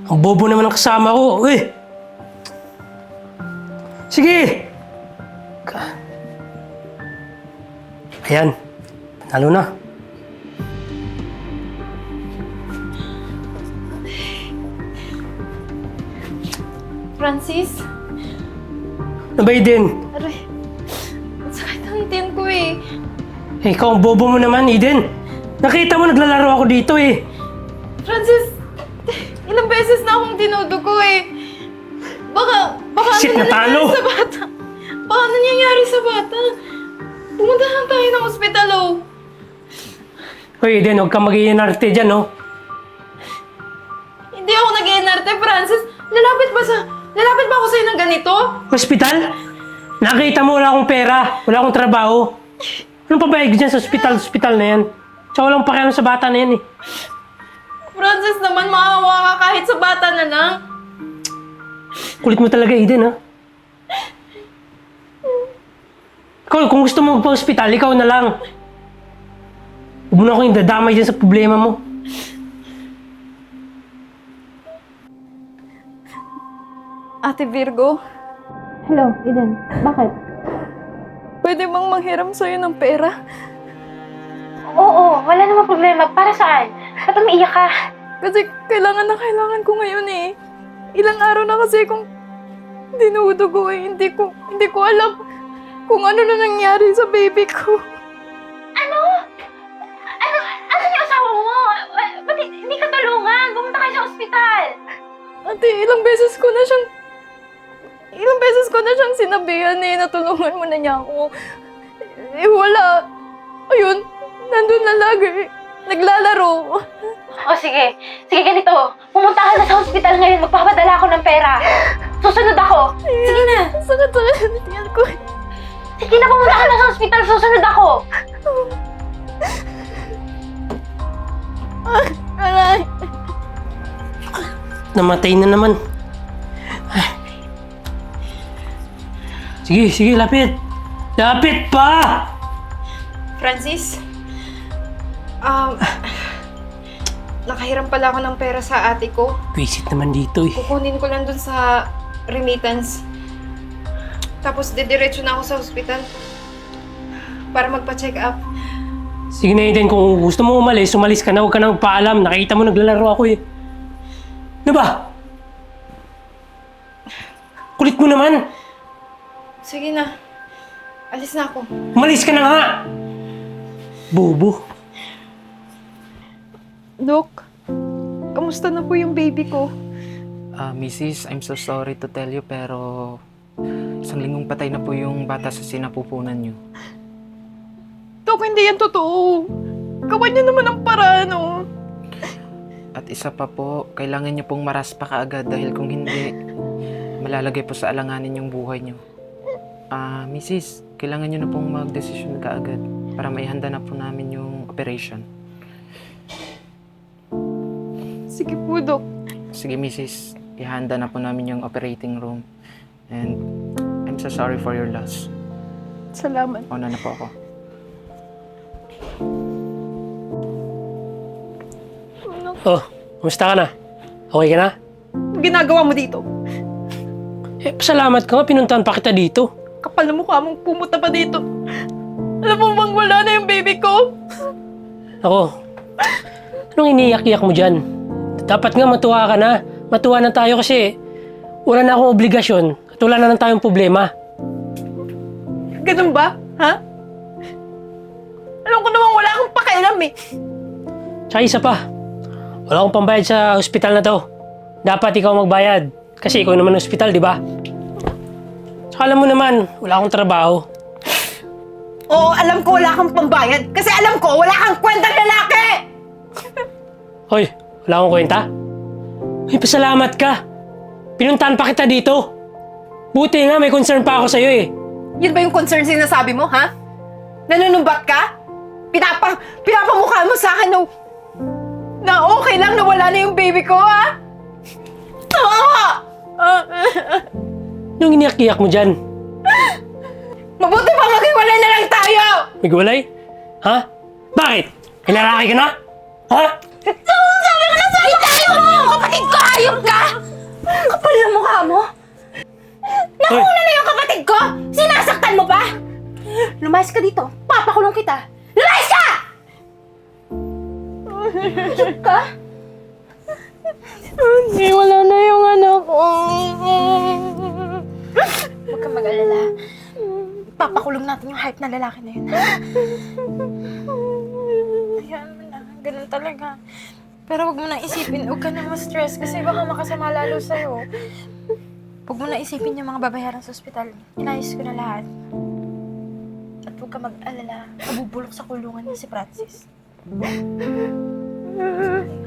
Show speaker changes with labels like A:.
A: Ang bobo naman ng kasama ko. Uy! Sige! Ayan. Panalo na.
B: Francis?
A: Ano ba, Eden?
B: Aray, ang sakit ang itin ko eh.
A: Eh, ikaw ang bobo mo naman, Eden. Nakita mo naglalaro ako dito eh.
B: Francis, ilang beses na akong dinudugo eh. Baka
A: Shit,
B: ano na
A: natalo!
B: nangyari sa bata? Baka ano nangyayari sa bata? Pumunta lang tayo ng ospital oh.
A: Hoy, Eden, huwag kang mag-iinarte dyan, no?
B: Hindi ako nag-iinarte, Francis. Lalapit ba ako sa'yo ng ganito?
A: Hospital? Nakita mo wala akong pera, wala akong trabaho. Anong pabayag dyan sa hospital na yan? Tsaka walang pakialam sa bata na yan eh.
B: Francis naman, maawa ka kahit sa bata na lang.
A: Kulit mo talaga, Eden, ha? Ikaw, kung gusto mo magpa-hospital, ikaw na lang. Huwag mo na akong dadamay dyan sa problema mo.
B: Ate Virgo,
C: Hello, Eden. Bakit?
B: pwede bang manghiram sa'yo ng pera?
C: Oo, wala namang problema. Para saan? Ba't umiiyak ka?
B: Kasi kailangan na kailangan ko ngayon eh. Ilang araw na kasi kung dinudugo eh. Hindi ko alam kung ano na nangyari sa baby ko.
C: Ano? Ano yung asawa mo? Ba't hindi ka tulungan? Pumunta kayo sa ospital.
B: Ate, ilang beses ko na siyang sinabihan eh. Natulungan mo na niya ako. Eh wala. Ayun, nandun na lagi. Naglalaro.
C: O sige. Sige, ganito. Pumunta ka na sa ospital ngayon. Magpapadala ako ng pera. Susunod ako. Sige na.
B: Sakit sa tiyan ko.
C: Sige na, pumunta ka na sa ospital. Susunod ako.
B: Aray.
A: Namatay na naman. Ay. Sige, lapit. Lapit pa!
B: Francis, nakahiram pala ako ng pera sa ate ko.
A: Visit naman dito eh.
B: Kukunin ko lang dun sa remittance. Tapos didiretso na ako sa ospital para magpa-check up.
A: Sige na, Eden, kung gusto mo umalis ka na, huwag ka na magpaalam. Nakita mo naglalaro ako eh. Ano ba? Kulit mo naman.
B: Sige na. Alis na ako.
A: Umalis ka na nga! Bobo.
B: Dok, kamusta na po yung baby ko?
D: Mrs., I'm so sorry to tell you pero isang linggong patay na po yung bata sa sinapupunan niyo.
B: Dok, hindi yan totoo. Gawan niyo naman ang paraan, oh.
D: At isa pa po, kailangan niyo pong maraspa kaagad dahil kung hindi, malalagay po sa alanganin yung buhay niyo. Mrs., kailangan niyo na pong mag-desisyon kaagad para maihanda na po namin yung operation.
B: Sige po, Dok.
D: Sige, Mrs., ihanda na po namin yung operating room. And I'm so sorry for your loss.
B: Salamat.
D: Una na po ako.
A: Oh, kumusta ka na? Okay ka na?
B: Ginagawa mo dito?
A: Eh, pasalamat ka nga, pinuntahan pa kita dito.
B: Kapal na mukha mong pumunta pa dito. Alam mo bang wala na yung baby ko?
A: Ako, anong iniyak-iyak mo dyan? Dapat nga matuwa ka na. Matuwa na tayo kasi wala na akong obligasyon at wala na lang tayong problema.
B: Ganun ba? Ha? Alam ko namang wala akong pakialam eh.
A: Tsaka isa pa, wala akong pambayad sa ospital na to. Dapat ikaw magbayad kasi ikaw naman ospital, di ba? Tsaka alam mo naman, wala akong trabaho.
B: Oo, alam ko wala kang pambayad. Kasi alam ko wala kang kwentang lalaki!
A: Hoy, wala akong kwenta? Ay, pasalamat ka. Pinuntahan pa kita dito. Buti nga, may concern pa ako sa'yo eh.
B: Yun ba yung concern sinasabi mo, ha? Nanunumbat ka? Pinapamukha mo sa akin na okay lang na wala na yung baby ko, ha?
A: Anong iniyak-iyak mo dyan?
B: Mabuti pa maghiwalay na lang tayo!
A: Nagwalay? Ha? Bakit? Hinaraki ka na? Ha?
B: Sabi ko na sa'yo! Tayo mo! Kapatid ko! Ayop ka!
C: Kapal ang mukha mo! Nakuna na yung kapatid ko! Sinasaktan mo pa! Lumayas ka dito! Papakulong kita! Lumayas ka! Higit ka?
B: Hindi, wala na yung anak ko.
C: Huwag kang mag-alala. Papakulong natin yung hype na lalaki na yun.
B: Ayan mo na, ganun talaga. Pero huwag mo na isipin, huwag ka na ma-stress kasi baka makasama lalo sa'yo. Huwag mo na isipin yung mga babayaran sa ospital. Inayos ko na lahat. At huwag ka mag-alala, mabubulok sa kulungan niya si Francis.